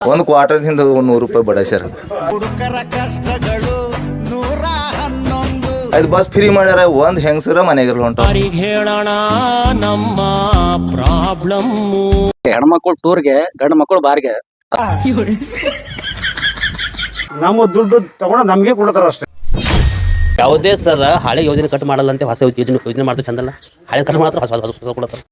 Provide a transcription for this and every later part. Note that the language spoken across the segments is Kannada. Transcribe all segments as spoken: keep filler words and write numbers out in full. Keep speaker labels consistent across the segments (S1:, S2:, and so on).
S1: ಒಂದು ಕ್ವಾರ್ಟರ್ದಿಂದ ನೂರು ರೂಪಾಯಿ ಬಡ ಸರ್. ಅದು ಬಸ್ ಫ್ರೀ ಮಾಡ್ಯಾರ, ಒಂದ್ ಹೆಂಗಸರ ಮನೆಗಿರ್ಲ ಹೊಂಟ
S2: ಹೇಳೋಣ ನಮ್ಮ ಪ್ರಾಬ್ಲಮ್.
S3: ಹೆಣ್ಮಕ್ಳು ಟೂರ್ಗೆ, ಗಂಡು ಮಕ್ಕಳು ಬಾರ್ಗೆ.
S4: ನಮ್ಮ ದುಡ್ಡು ತಗೊಂಡು ನಮ್ಗೆ ಕೊಡ್ತಾರ ಅಷ್ಟೇ.
S2: ಯಾವುದೇ ಸರ್ ಹಳೆ ಯೋಜನೆ ಕಟ್ ಮಾಡಲ್ಲ ಅಂತ ಹೊಸ ಯೋಜನೆ ಯೋಜನೆ ಮಾಡ್ತಾರೆ ಚಂದಲ್ಲ. ಹಳೆ ಕಟ್ ಮಾಡ್ತಾರೆ, ಹೊಸ ಹೊಸ ಕೊಡ್ತಾರೆ.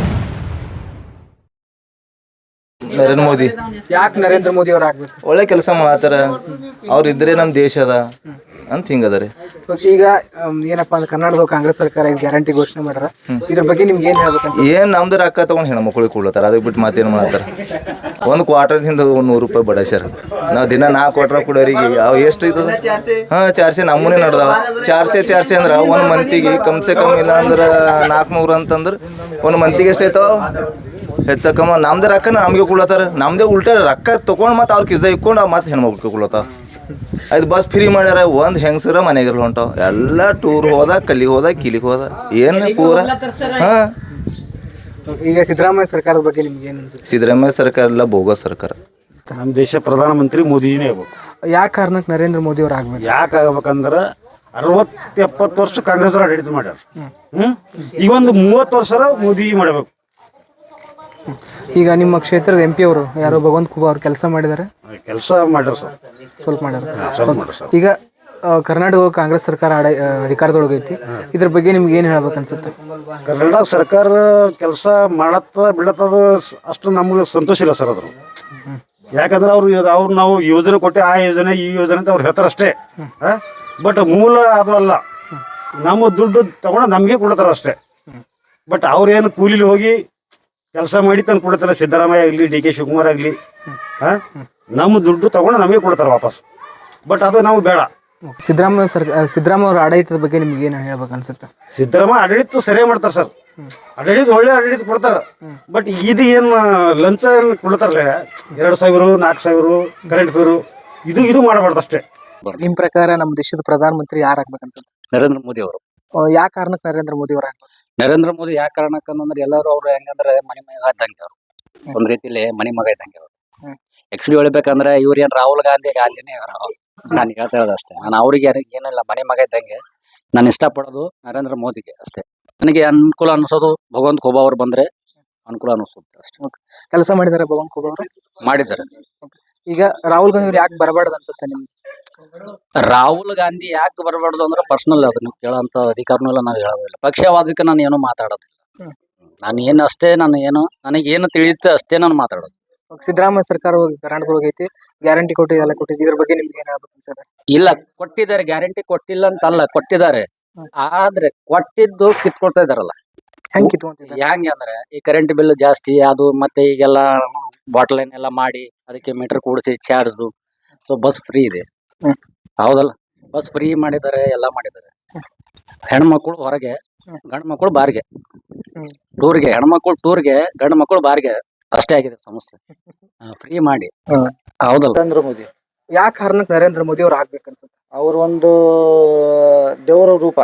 S1: ನರೇಂದ್ರ ಮೋದಿ
S5: ಯಾಕೆ ನರೇಂದ್ರ ಮೋದಿ ಅವ್ರು ಆಗ್ಬೇಕು?
S1: ಒಳ್ಳೆ ಕೆಲಸ ಮಾಡತ್ತಾರ, ಅವ್ರ ಇದ್ರೆ ನಮ್ ದೇಶ ಅದ ಅಂತ ಹಿಂಗದ ರೀ.
S5: ಈಗ ಏನಪ್ಪಾ ಅಂದ್ರೆ ಕರ್ನಾಟಕ ಕಾಂಗ್ರೆಸ್ ಸರ್ಕಾರ ಗ್ಯಾರಂಟಿ ಘೋಷಣೆ ಮಾಡ್ಯಾರ, ಇದ್ರ ಬಗ್ಗೆ ನಿಮ್ಗೆ ಏನ್ ಹೇಳ್ಬೇಕಂತ?
S1: ಏನ್ ನಮ್ದು ರೊಕ್ಕ ತಗೊಂಡ್ ಹೆಣ್ಮಕ್ಳಿಗೆ ಕೊಡ್ಲತ್ತಾರ, ಅದಕ್ಕೆ ಬಿಟ್ಟು ಮಾತೇನು ಮಾಡತ್ತಾರ. ಒಂದು ಕ್ವಾರ್ಟರ್ದಿಂದ ನೂರು ರೂಪಾಯಿ ಬಡ ಸರ್. ನಾವು ದಿನ ನಾಲ್ಕು ಕ್ವಾರ್ಟರ್ ಕೊಡೋರಿಗೆ ಅವು ಎಷ್ಟು ಐತದ? ಹಾ, ಚಾರ್ಸೆ ನಮ್ಮನೆ ನಡ್ದಾವ. ಚಾರ್ಸೆ ಚಾರ್ಸೆ ಅಂದ್ರ ಒಂದ್ ಮಂತಿಗೆ ಕಮ್ಸೆ ಕಮ್ ಇಲ್ಲ ಅಂದ್ರ ನಾಲ್ಕುನೂರು ಅಂತಂದ್ರ ಒಂದ್ ಮಂತಿಗೆ ಎಷ್ಟು ಐತಾವ? ಹೆಚ್ಚ ಕಮ್ಮ ನಮ್ದೇ ರೊಕ್ಕ ನಮ್ಗೆ ಕೊಡ್ಲತ್ತಾರ. ನಮ್ದೇ ಉಲ್ಟಾ ರೊಕ್ಕ ತಗೊಂಡ್ ಮತ್ತೆ ಅವ್ರ ಕಿಸ್ದ ಇಕ್ಕೊಂಡು ಮತ್ತೆ ಹೆಣ್ಮಕ್ಳಿಗೆ ಕೊಡ್ಲತ್ತಾರ. ಅದು ಬಸ್ ಫ್ರೀ ಮಾಡ್ಯಾರ, ಒಂದ್ ಹೆಂಗಸರ ಮನೆಗಿರ್ಲ ಹೊಂಟಾವ. ಎಲ್ಲ ಟೂರ್ ಹೋದ, ಕಲ್ಲಿಗೆ ಹೋದ, ಕಿಲಿಗೆ ಹೋದ, ಏನ್ ಪೂರ. ಹಾ,
S5: ಈಗ ಸಿದ್ದರಾಮಯ್ಯ ಸರ್ಕಾರದ ಬಗ್ಗೆ ನಿಮ್ಗೆ ಏನ್ ಅನ್ಸುತ್ತೆ?
S1: ಸಿದ್ದರಾಮಯ್ಯ ಸರ್ಕಾರ ಎಲ್ಲ ಬೋಗಸ್ ಸರ್ಕಾರ.
S4: ನಮ್ಮ ದೇಶ ಪ್ರಧಾನಮಂತ್ರಿ ಮೋದಿನೇ ಆಗ್ಬೇಕು.
S5: ಯಾವ ಕಾರಣಕ್ಕೆ ನರೇಂದ್ರ ಮೋದಿ ಅವ್ರು ಆಗ್ಬೇಕು?
S4: ಯಾಕೆ ಆಗ್ಬೇಕಂದ್ರೆ ಅರವತ್ತು ಎಪ್ಪತ್ತು ವರ್ಷ ಕಾಂಗ್ರೆಸ್ ಆಡಳಿತ ಮಾಡ್ಯಾರ. ಹ್ಮ್ ಈಗ ಒಂದು ಮೂವತ್ತು ವರ್ಷ ಮೋದಿ ಮಾಡಬೇಕು.
S5: ಈಗ ನಿಮ್ಮ ಕ್ಷೇತ್ರದ ಎಂ ಪಿ ಅವರು ಯಾರೋ ಭಗವಂತ ಖೂಬಾ ಅವ್ರು ಕೆಲಸ ಮಾಡಿದ್ದಾರೆ,
S4: ಕೆಲಸ ಮಾಡ್ಯಾರ ಸರ್,
S5: ಸ್ವಲ್ಪ ಮಾಡ್ಯಾರ.
S4: ಸ್ವಲ್ಪ ಮಾಡ್ಯಾರ ಸರ್.
S5: ಈಗ ಕರ್ನಾಟಕ ಕಾಂಗ್ರೆಸ್ ಸರ್ಕಾರ ಆಡ ಅಧಿಕಾರದೊಳಗೈತಿ, ಇದ್ರ ಬಗ್ಗೆ ನಿಮ್ಗೆ ಏನು ಹೇಳ್ಬೇಕು ಅನ್ಸುತ್ತೆ?
S4: ಕರ್ನಾಟಕ ಸರ್ಕಾರ ಕೆಲಸ ಮಾಡತ್ತ ಬಿಡತ್ತದ ಅಷ್ಟು ನಮ್ಗೆ ಸಂತೋಷ ಇಲ್ಲ ಸರ್. ಅದ್ರ ಯಾಕಂದ್ರೆ ಅವ್ರು ಅವ್ರು ನಾವು ಯೋಜನೆ ಕೊಟ್ಟೆ, ಆ ಯೋಜನೆ ಈ ಯೋಜನೆ ಅಂತ ಅವ್ರು ಹೇಳ್ತಾರೆ ಅಷ್ಟೇ. ಬಟ್ ಮೂಲ ಅದು ಅಲ್ಲ. ನಮ್ಮ ದುಡ್ಡು ತಗೊಂಡು ನಮಗೆ ಕೊಡ್ತಾರ ಅಷ್ಟೇ. ಬಟ್ ಅವ್ರೇನು ಕೂಲಿಲಿ ಹೋಗಿ ಕೆಲಸ ಮಾಡಿ ತಂದು ಕೊಡ್ತಾರ. ಸಿದ್ದರಾಮಯ್ಯ ಆಗಲಿ, ಡಿ ಕೆ ಶಿವಕುಮಾರ್ ಆಗಲಿ, ಹಾ, ನಮ್ಮ ದುಡ್ಡು ತಗೊಂಡು ನಮಗೆ ಕೊಡ್ತಾರೆ ವಾಪಸ್. ಬಟ್ ಅದು ನಾವು ಬೇಡ.
S5: ಸಿದ್ದರಾಮಯ್ಯ ಸರ್ಕಾರ ಸಿದ್ದರಾಮಯ್ಯ ಅವ್ರ ಆಡಳಿತದ ಬಗ್ಗೆ ನಿಮ್ಗೆ ಏನು ಹೇಳ್ಬೇಕು ಅನ್ಸುತ್ತೆ?
S4: ಸಿದ್ದರಾಮಯ್ಯ ಆಡಳಿತ ಸರಿಯಾಗಿ ಮಾಡ್ತಾರೆ ಸರ್. ಆಡಳಿತ ಒಳ್ಳೆ ಆಡಳಿತ ಕೊಡ್ತಾರ. ಬಟ್ ಇದು ಏನು ಲಂಚ ಏನು ಕೊಡ್ತಾರಲ್ಲ, ಎರಡು ಸಾವಿರ ನಾಲ್ಕು ಸಾವಿರ ಕರೆಂಟ್ ಫೇರು, ಇದು ಇದು ಮಾಡಬಾರ್ದು ಅಷ್ಟೇ.
S5: ನಿಮ್ ಪ್ರಕಾರ ನಮ್ಮ ದೇಶದ ಪ್ರಧಾನಮಂತ್ರಿ ಯಾರು ಆಗ್ಬೇಕು ಅನ್ಸುತ್ತೆ?
S3: ನರೇಂದ್ರ ಮೋದಿ ಅವರು.
S5: ಯಾವ ಕಾರಣಕ್ಕೆ ನರೇಂದ್ರ ಮೋದಿ ಅವ್ರು ಆಗ್ಬೇಕು?
S3: ನರೇಂದ್ರ ಮೋದಿ ಯಾವ ಕಾರಣಕ್ಕಂದ್ರೆ ಎಲ್ಲರೂ ಅವ್ರು ಹೆಂಗಂದ್ರೆ ಮನೆ ಮಗ ಇದ್ದಂಗೆ ಅವ್ರು. ಒಂದ್ ರೀತಿಲಿ ಮನೆ ಮಗ ಇದ್ದಂಗೆ ಅವ್ರು. ಆಕ್ಚುಲಿ ಹೇಳ್ಬೇಕಂದ್ರೆ ಇವ್ರ ಏನ್ ರಾಹುಲ್ ಗಾಂಧಿ ಗಾಂಧಿನೇ ಅವರು. ನಾನು ಹೇಳ್ತಾ ಇರೋದು ಅಷ್ಟೇ. ನಾನು ಅವ್ರಿಗೆ ಏನಿಲ್ಲ, ಮನೆ ಮಗ ಇದ್ದಂಗೆ. ನಾನು ಇಷ್ಟಪಡೋದು ನರೇಂದ್ರ ಮೋದಿಗೆ ಅಷ್ಟೇ. ನನಗೆ ಅನುಕೂಲ ಅನ್ಸೋದು ಭಗವಂತ ಖೂಬಾ ಅವ್ರು ಬಂದ್ರೆ ಅನುಕೂಲ ಅನಿಸುತ್ತೆ ಅಷ್ಟೇ.
S5: ಕೆಲಸ ಮಾಡಿದ್ದಾರೆ ಭಗವಂತ ಖೂಬಾ ಅವರು?
S3: ಮಾಡಿದ್ದಾರೆ.
S5: ಈಗ ರಾಹುಲ್ ಗಾಂಧಿ ಅವ್ರು ಯಾಕೆ ಬರಬಾರ್ದು ಅನ್ಸುತ್ತೆ ನಿಮ್ಗೆ?
S3: ರಾಹುಲ್ ಗಾಂಧಿ ಯಾಕೆ ಬರಬಾರ್ದು ಅಂದ್ರೆ ಪರ್ಸನಲ್ ಅದು, ನೀವು ಕೇಳೋಂತ ಅಧಿಕಾರನೂ ಇಲ್ಲ, ನಾವು ಹೇಳೋದಿಲ್ಲ. ಪಕ್ಷವಾದಕ್ಕೆ ನಾನು ಏನು ಮಾತಾಡೋದಿಲ್ಲ. ನಾನು ಏನು ಅಷ್ಟೇ, ನಾನು ಏನು ನನಗೆ ಏನು ತಿಳಿಯುತ್ತೆ ಅಷ್ಟೇ ನಾನು ಮಾತಾಡೋದು.
S5: ಸಿದ್ದರಾಮಯ್ಯ ಸರ್ಕಾರ ಕರ್ನಾಟಕ ಹೋಗೈತಿ, ಗ್ಯಾರಂಟಿ ಕೊಟ್ಟಿದೆ, ಎಲ್ಲ ಕೊಟ್ಟಿದ್ದು, ಇದ್ರ ಬಗ್ಗೆ ನಿಮ್ಗೆ ಏನ್ ಹೇಳ್ಬೇಕು ಅನ್ಸುತ್ತೆ?
S3: ಇಲ್ಲ, ಕೊಟ್ಟಿದ್ದಾರೆ, ಗ್ಯಾರಂಟಿ ಕೊಟ್ಟಿಲ್ಲ ಅಂತಲ್ಲ, ಕೊಟ್ಟಿದ್ದಾರೆ. ಆದ್ರೆ ಕೊಟ್ಟಿದ್ದು ಕಿತ್ಕೊಳ್ತಾ ಇದಾರಲ್ಲ.
S5: ಹೆಂಗ್ ಕಿತ್ಕೊಂತಿದ್ದಾರೆ?
S3: ಹೆಂಗೆ ಅಂದ್ರೆ ಈ ಕರೆಂಟ್ ಬಿಲ್ ಜಾಸ್ತಿ, ಅದು ಮತ್ತೆ ಈಗೆಲ್ಲ ಬಾಟಲ್ ಲೈನ್ ಎಲ್ಲ ಮಾಡಿ ಅದಕ್ಕೆ ಮೀಟರ್ ಕೂಡಿಸಿ ಚಾರ್ಜು. ಸೊ ಬಸ್ ಫ್ರೀ ಇದೆ, ಹೌದಲ್ಲ? ಬಸ್ ಫ್ರೀ ಮಾಡಿದ್ದಾರೆ, ಎಲ್ಲ ಮಾಡಿದ್ದಾರೆ. ಹೆಣ್ಮಕ್ಳು ಹೊರಗೆ, ಗಂಡು ಮಕ್ಕಳು ಬಾರ್ಗೆ. ಟೂರ್ಗೆ ಹೆಣ್ಮಕ್ಳು ಟೂರ್ಗೆ, ಗಂಡು ಮಕ್ಕಳು ಬಾರ್ಗೆ. ಅಷ್ಟೇ ಆಗಿದೆ ಸಮಸ್ಯೆ. ಫ್ರೀ ಮಾಡಿ, ಹೌದಲ್ಲ?
S1: ನರೇಂದ್ರ ಮೋದಿ
S5: ಯಾವ ಕಾರಣಕ್ಕೆ ನರೇಂದ್ರ ಮೋದಿ ಅವ್ರು ಆಗ್ಬೇಕು ಅನ್ಸುತ್ತೆ?
S6: ಅವ್ರ ಒಂದು ದೇವರ ರೂಪ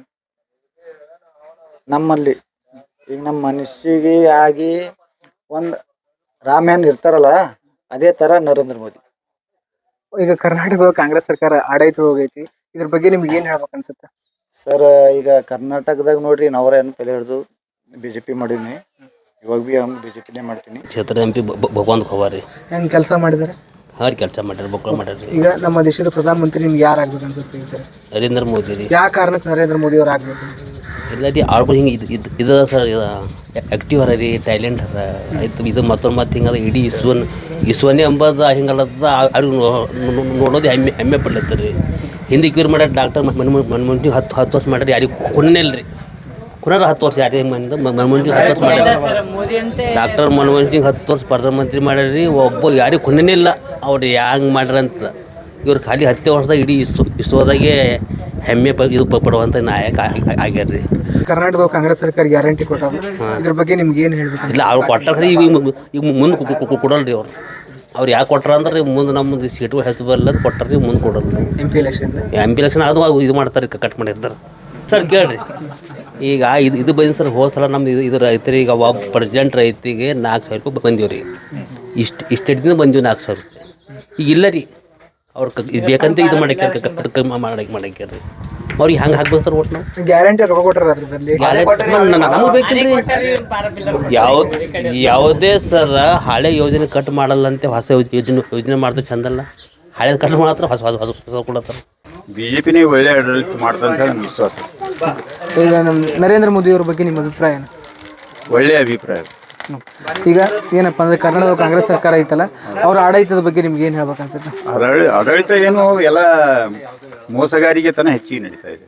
S6: ನಮ್ಮಲ್ಲಿ. ಈಗ ನಮ್ಮ ಮನುಷ್ಯಗೆ ಆಗಿ ಒಂದು ರಾಮಾಯಣ ಇರ್ತಾರಲ್ಲ, ಅದೇ ತರ ನರೇಂದ್ರ ಮೋದಿ.
S5: ಈಗ ಕರ್ನಾಟಕದ ಕಾಂಗ್ರೆಸ್ ಸರ್ಕಾರ ಆಡಳಿತ ಹೋಗೈತಿ, ಇದ್ರ ಬಗ್ಗೆ ನಿಮ್ಗೆ ಏನ್ ಹೇಳ್ಬೇಕು ಅನ್ಸುತ್ತೆ?
S6: ಸರ್, ಈಗ ಕರ್ನಾಟಕದಾಗ ನೋಡ್ರಿ, ನಾವ್ರೇನು ತಲೆ ಹಿಡಿದು ಬಿ ಜೆ ಪಿ ಮಾಡೀನಿ, ಇವಾಗ ಬಿ ಹಂಗೆ ಬಿ ಜೆ ಪಿನೇ ಮಾಡ್ತೀನಿ.
S2: ಕ್ಷೇತ್ರ ಎಂ ಪಿ ಭಗವಂತ ಖೂಬಾ ರೀ.
S5: ಹೆಂಗ್ ಕೆಲಸ ಮಾಡಿದಾರೆ?
S2: ಹಾರಿ ಕೆಲಸ ಮಾಡ್ಯಾರ, ಮಕ್ಕಳು ಮಾಡ್ಯಾರ.
S5: ಈಗ ನಮ್ಮ ದೇಶದ ಪ್ರಧಾನಮಂತ್ರಿ ನಿಮ್ಗೆ ಯಾರು ಆಗ್ಬೇಕು ಅನ್ಸುತ್ತೆ ಈಗ ಸರ್?
S2: ನರೇಂದ್ರ ಮೋದಿ ರೀ.
S5: ಯಾವ ಕಾರಣಕ್ಕೆ ನರೇಂದ್ರ ಮೋದಿ ಅವ್ರು ಆಗ್ಬೇಕು?
S2: ಇಲ್ಲ ರೀ, ಆಳ್ಗಳು ಹಿಂಗೆ ಇದು ಇದು ಇದ ಸರ್, ಆ್ಯಕ್ಟಿವ್ ಅರ ರೀ, ಟ್ಯಾಲೆಂಟ್ ಅರ. ಆಯ್ತು, ಇದು ಮತ್ತೊಂದು ಮತ್ತೆ ಹಿಂಗದ ಇಡೀ ಇಸ್ವನ್ ಇಸ್ವನ್ನೇ ಅಂಬದು ಹಿಂಗಲ್ಲದ ಅವ್ರಿಗೆ ನೋಡೋದು ಹೆಮ್ಮೆ ಹೆಮ್ಮೆ ಪಡ್ಲತ್ತರಿ. ಹಿಂದಕ್ಕೆ ಇವ್ರು ಮಾಡ್ಯಾರ ಡಾಕ್ಟರ್ ಮನಮೋಹನ್ ಸಿಂಗ್ ಹತ್ತು ಹತ್ತು ವರ್ಷ ಮಾಡ್ಯಾರ, ಯಾರಿಗೆ ಕೊನೆ ಇಲ್ಲ ರೀ. ಕುನಾರ ಹತ್ತು ವರ್ಷ ಯಾರಿಗೆ ಮಂದ ಮನಮೋಹನ್ ಸಿಂಗ್ ಹತ್ತು ವರ್ಷ ಮಾಡ್ಯಾರ. ಡಾಕ್ಟರ್ ಮನಮೋಹನ್ ಸಿಂಗ್ ಹತ್ತು ವರ್ಷ ಪ್ರಧಾನಮಂತ್ರಿ ಮಾಡ್ಯಾರ ರೀ. ಒಬ್ಬ ಯಾರಿಗೆ ಕೊನೆನೇ ಇಲ್ಲ ಅವ್ರು ಹ್ಯಾಂಗೆ ಮಾಡ್ಯಾರಂತ. ಇವ್ರು ಖಾಲಿ ಹತ್ತೇ ವರ್ಷದಾಗ ಇಡೀ ಇಸ್ರೋ ಇಸ್ರೋದಾಗೆ ಹೆಮ್ಮೆ ಪ ಇದು ಪಡುವಂಥ ನಾಯಕ ಆಗ್ಯಾರ ರೀ.
S5: ಕರ್ನಾಟಕ ಕಾಂಗ್ರೆಸ್ ಸರ್ಕಾರ ಗ್ಯಾರಂಟಿ ಕೊಟ್ಟಾರ, ಇದ್ರ ಬಗ್ಗೆ ನಿಮ್ಗೆ ಏನು ಹೇಳ್ಬೇಕು?
S2: ಇಲ್ಲ, ಅವ್ರು ಕೊಟ್ಟಾರ, ಈಗ ಈಗ ಮುಂದೆ ಕೊಡಲ್ಲ ರೀ ಅವ್ರು. ಅವ್ರು ಯಾಕೆ ಕೊಟ್ಟಾರ ಅಂದ್ರೆ ಮುಂದೆ ನಮ್ಮದು ಸೀಟು ಹೆಚ್ಚು ಬರಲ್ಲ ಕೊಟ್ಟಾರ, ಮುಂದೆ ಕೊಡಲ್ಲ.
S5: M P election
S2: M P election ಅದು ಇದು ಮಾಡ್ತಾರೆ, ಕಟ್ ಮಾಡಿರ್ತಾರೆ ಸರ್. ಕೇಳ್ರಿ, ಈಗ ಇದು ಇದು ಬಂದು ಸರ್, ಹೋದ ಸಲ ನಮ್ದು ಇದು ಇದು ರೈತರಿಗೆ, ಒಬ್ಬ ಪ್ರೆಸಿಡೆಂಟ್ ರೈತಿಗೆ ನಾಲ್ಕು ಸಾವಿರ ರೂಪಾಯಿ ಬಂದೀವಿ ರೀ. ಇಷ್ಟು ಇಷ್ಟು ಹಿಡ್ದಿಂದ ಬಂದೀವಿ ನಾಲ್ಕು ಸಾವಿರ ರೂಪಾಯಿ ಈಗ ಇಲ್ಲ ರೀ ಅವ್ರು ಕ ಇದು ಬೇಕಂತ ಇದು ಮಾಡಕ್ಯಾರ ಮಾಡಕ್ಕೆ ಮಾಡಕ್ಯಾರ ರೀ ಅವ್ರಿಗೆ ಹಂಗೆ ಹಾಕ್ಬೇಕು ಸರ್ ಒಟ್ಟು ನಾವು
S5: ಗ್ಯಾರಂಟಿ ರೊಕ್ಕ ಕೊಟ್ಟಾರ ಅದ್ರಲ್ಲಿ
S2: ನಮಗೆ ಬೇಕಿಲ್ರಿ ಯಾವ ಯಾವುದೇ ಸರ್ ಹಳೆ ಯೋಜನೆ ಕಟ್ ಮಾಡಲ್ಲ ಅಂತ ಹೊಸ ಯೋಜನೆ ಯೋಜನೆ ಮಾಡಿದ್ರೆ ಚಂದಲ್ಲ ಹಳೇದು ಕಟ್ ಮಾಡತ್ರ ಹೊಸ ಹೊಸ ಹೊಸ ಹೊಸ ಕೊಡತ್ತಾರ
S4: ಬಿ ಜೆ ಪಿನೇ ಒಳ್ಳೆ ಆಡಳಿತ ಮಾಡ್ತಂತ ನಮ್ಗೆ ವಿಶ್ವಾಸ.
S5: ಈಗ ನಮ್ಮ ನರೇಂದ್ರ ಮೋದಿ ಅವ್ರ ಬಗ್ಗೆ ನಿಮ್ಮ ಅಭಿಪ್ರಾಯ ಏನು?
S4: ಒಳ್ಳೆಯ ಅಭಿಪ್ರಾಯ.
S5: ಈಗ ಏನಪ್ಪ ಅಂದ್ರೆ ಕರ್ನಾಟಕ ಕಾಂಗ್ರೆಸ್ ಸರ್ಕಾರ ಐತಲ್ಲ ಅವ್ರ ಆಡಳಿತದ ಬಗ್ಗೆ ನಿಮ್ಗೆ ಏನು ಹೇಳ್ಬೇಕು ಅನ್ಸುತ್ತೆ?
S4: ಆಡಳಿ ಆಡಳಿತ ಏನು ಎಲ್ಲ ಮೋಸಗಾರಿಕೆ ತನ ಹೆಚ್ಚಿಗೆ ನಡೀತಾ ಇದೆ.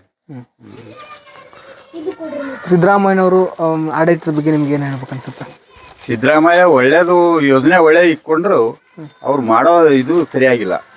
S5: ಸಿದ್ದರಾಮಯ್ಯನವರು ಆಡಳಿತದ ಬಗ್ಗೆ ನಿಮ್ಗೆ ಏನು ಹೇಳ್ಬೇಕು ಅನ್ಸುತ್ತೆ?
S4: ಸಿದ್ದರಾಮಯ್ಯ ಒಳ್ಳೇದು ಯೋಜನೆ ಒಳ್ಳೆ ಇಟ್ಕೊಂಡ್ರು ಅವ್ರು ಮಾಡೋ ಇದು ಸರಿಯಾಗಿಲ್ಲ.